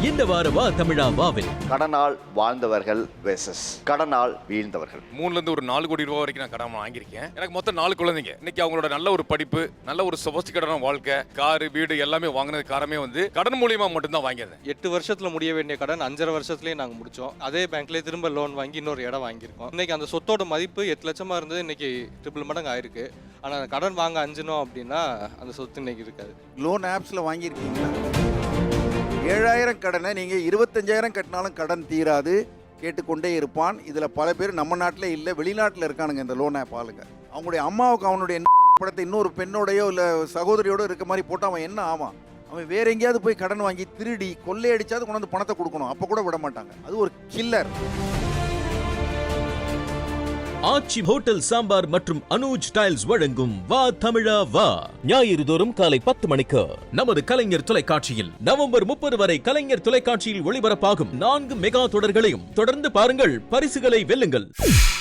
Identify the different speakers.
Speaker 1: இந்த வார வா தமிழா வாவில்
Speaker 2: கடனால் வாழ்ந்தவர்கள் வெர்சஸ் கடனால் வீழ்ந்தவர்கள்.
Speaker 3: 3 to 4 கோடி ரூபாய் வரைக்கும் நான் கடன் வாங்கியிருக்கேன். எனக்கு மொத்தம் 4 குழந்தைங்க. இன்னைக்கு அவங்களோட நல்ல ஒரு படிப்பு, நல்ல ஒரு சொபஸ்டிகேட்டான வாழ்க்கை, காரு, வீடு எல்லாமே வாங்கினது காரணமே வந்து கடன் மூலியமா மட்டும்தான் வாங்கியிருந்தேன்.
Speaker 4: 8 வருஷத்துல முடிய வேண்டிய கடன் 5.5 வருஷத்துலயே நாங்க முடிச்சோம். அதே பேங்க்லயே திரும்ப லோன் வாங்கி இன்னொரு இடம் வாங்கியிருக்கோம். இன்னைக்கு அந்த சொத்தோட மதிப்பு 8 லட்சமா இருந்தது, இன்னைக்கு ட்ரிபிள் மடங்கு ஆயிருக்கு. ஆனா கடன் வாங்க அஞ்சினோம் அப்படின்னா அந்த சொத்து இன்னைக்கு இருக்காது.
Speaker 5: லோன் ஆப்ஸ்ல வாங்கியிருக்கீங்களா? 7,000 கடனை நீங்கள் 25,000 கட்டினாலும் கடன் தீராது, கேட்டுக்கொண்டே இருப்பான். இதில் பல பேர் நம்ம நாட்டில் இல்லை, வெளிநாட்டில் இருக்கானுங்க இந்த லோன் ஆப் ஆளுங்க. அவங்களுடைய அம்மாவுக்கு அவனுடைய படத்தை இன்னொரு பெண்ணோடையோ இல்லை சகோதரியோடோ இருக்க மாதிரி போட்டு அவன் என்ன ஆவான்? அவன் வேற எங்கேயாவது போய் கடன் வாங்கி திருடி கொள்ளையடிச்சாவது கொண்டு வந்து பணத்தை கொடுக்கணும். அப்போ கூட விட மாட்டாங்க. அது ஒரு கில்லர்.
Speaker 1: ஆச்சி ஹோட்டல் சாம்பார் மற்றும் அனுஜ் டைல்ஸ் வழங்கும் வா தமிழா வா ஞாயிறு தோறும் காலை 10 மணிக்கு நமது கலைஞர் தொலைக்காட்சியில். நவம்பர் 30 வரை கலைஞர் தொலைக்காட்சியில் ஒளிபரப்பாகும் 4 மெகா தொடர்களையும் தொடர்ந்து பாருங்கள், பரிசுகளை வெல்லுங்கள்.